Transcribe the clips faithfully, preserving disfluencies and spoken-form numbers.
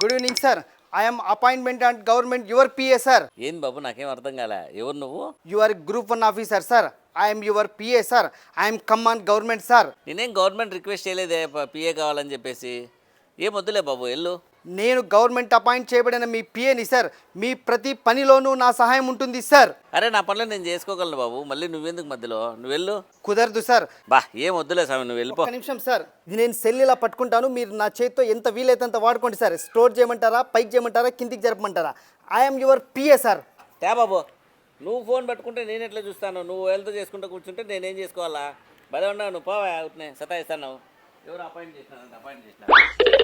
Good evening sir. I'm appointment and government your PA sir. ఏం బాబు నాకేం అర్థం కాలే. ఎవరు నువ్వు? Your group one officer sir. I'm your PA sir. I'm command government sir. నేనేం గవర్నమెంట్ రిక్వెస్ట్ చేయలేదే పిఏ కావాలని చెప్పేసి. ఏం వద్దులే బాబు వెళ్ళు. నేను గవర్నమెంట్ అపాయింట్ చేయబడిన మీ పిఏని సార్. మీ ప్రతి పనిలోనూ నా సహాయం ఉంటుంది సార్. అరే నా పనులు నేను చేసుకోగలను బాబు, మళ్ళీ నువ్వెందుకు మధ్యలో? నువ్వు వెళ్ళు. కుదరదు సార్. బా ఏం వద్దులే స్వామి, నువ్వు వెళ్ళిపో. ఒక నిమిషం సార్, ఇది నేను సెల్ ఇలా పట్టుకుంటాను, మీరు నా చేతితో ఎంత వీలైతే అంత వాడుకోండి సార్. స్టోర్ చేయమంటారా, పైకి చేయమంటారా, కిందికి జరపమంటారా? I'm your PA sir. తే బాబు, నువ్వు ఫోన్ పట్టుకుంటే నేను ఎట్లా చూస్తాను? నువ్వు వెళ్తూ చేసుకుంటూ కూర్చుంటే నేనేం చేసుకోవాలా? భలే ఉన్నావు నువ్వు, పోవా అవుతున్నాయి సతాయిస్తాను. ఎవరు అపాయింట్ చేసినారు? అపాయింట్ చేసినారు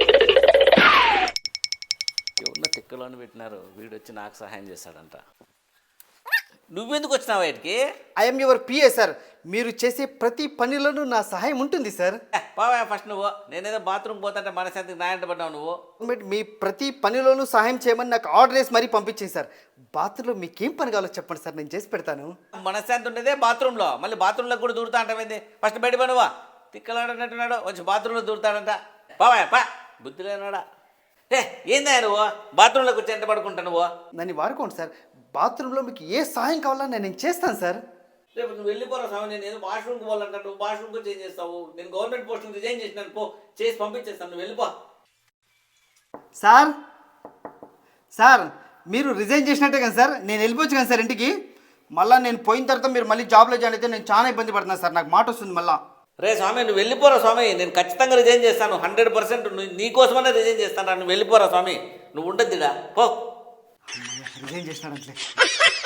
ఎవరిన తిక్కలోని పెట్టినారు. వీడు వచ్చి నాకు సహాయం చేస్తాడంట. నువ్వెందుకు వచ్చినావు బయటికి? I'm your PA sir. మీరు చేసే ప్రతి పనిలోనూ నా సహాయం ఉంటుంది సార్. పోవా ఫస్ట్ నువ్వు. నేనేదో బాత్రూమ్ పోతుంటే మనశాంతికి నాయంట పడ్డావు నువ్వు. గవర్నమెంట్ మీ ప్రతి పనిలోనూ సహాయం చేయమని నాకు ఆర్డర్ వేసి మరీ పంపించింది సార్. బాత్రూంలో మీకేం పని కావాలో చెప్పండి సార్, నేను చేసి పెడతాను. మనశ్శాంతి ఉండేదే బాత్రూంలో, మళ్ళీ బాత్రూంలో కూడా దూరుతా అంటావేంది? ఫస్ట్ బయట పనువా. తిక్కలాడనట్టున్నాడు, వచ్చి బాత్రూంలో దూరుతాడంట. పావా పా, బుద్ధి లేనాడా? ఏ ఏందా నువ్వు బాత్రూంలో కూర్చొని ఎంత పడుకుంటా నువ్వు? నన్ను వాడుకోండి సార్. బాత్రూంలో మీకు ఏ సహాయం కావాలన్నా నేను చేస్తాను సార్. రేపు నువ్వు వెళ్ళిపోరా స్వామి. నేను ఏదో వాష్రూమ్కి పోవాలంటా, నువ్వు వాష్రూమ్కి చేంజ్ చేస్తావు. నేను గవర్నమెంట్ పోస్ట్ రిజైన్ చేసినాను, పో చేసి పంపించేస్తాను. నువ్వు వెళ్ళిపో. సార్ సార్ మీరు రిజైన్ చేసినట్టే కదా సార్, నేను వెళ్ళిపోవచ్చు కదా సార్ ఇంటికి. మళ్ళీ నేను పోయిన తర్వాత మీరు మళ్ళీ జాబ్లో జాయిన్ అయితే నేను చాలా ఇబ్బంది పడుతున్నాను సార్, నాకు మాట వస్తుంది మళ్ళీ. రే స్వామి నువ్వు వెళ్ళిపోరా స్వామి. నేను ఖచ్చితంగా రిజైన్ చేస్తాను, హండ్రెడ్ పర్సెంట్ నీకోసమనే రిజైన్ చేస్తాను. నువ్వు వెళ్ళిపోరా స్వామి, నువ్వు ఉండద్దిడా పో. రిజైన్ చేసినాడు అంతే.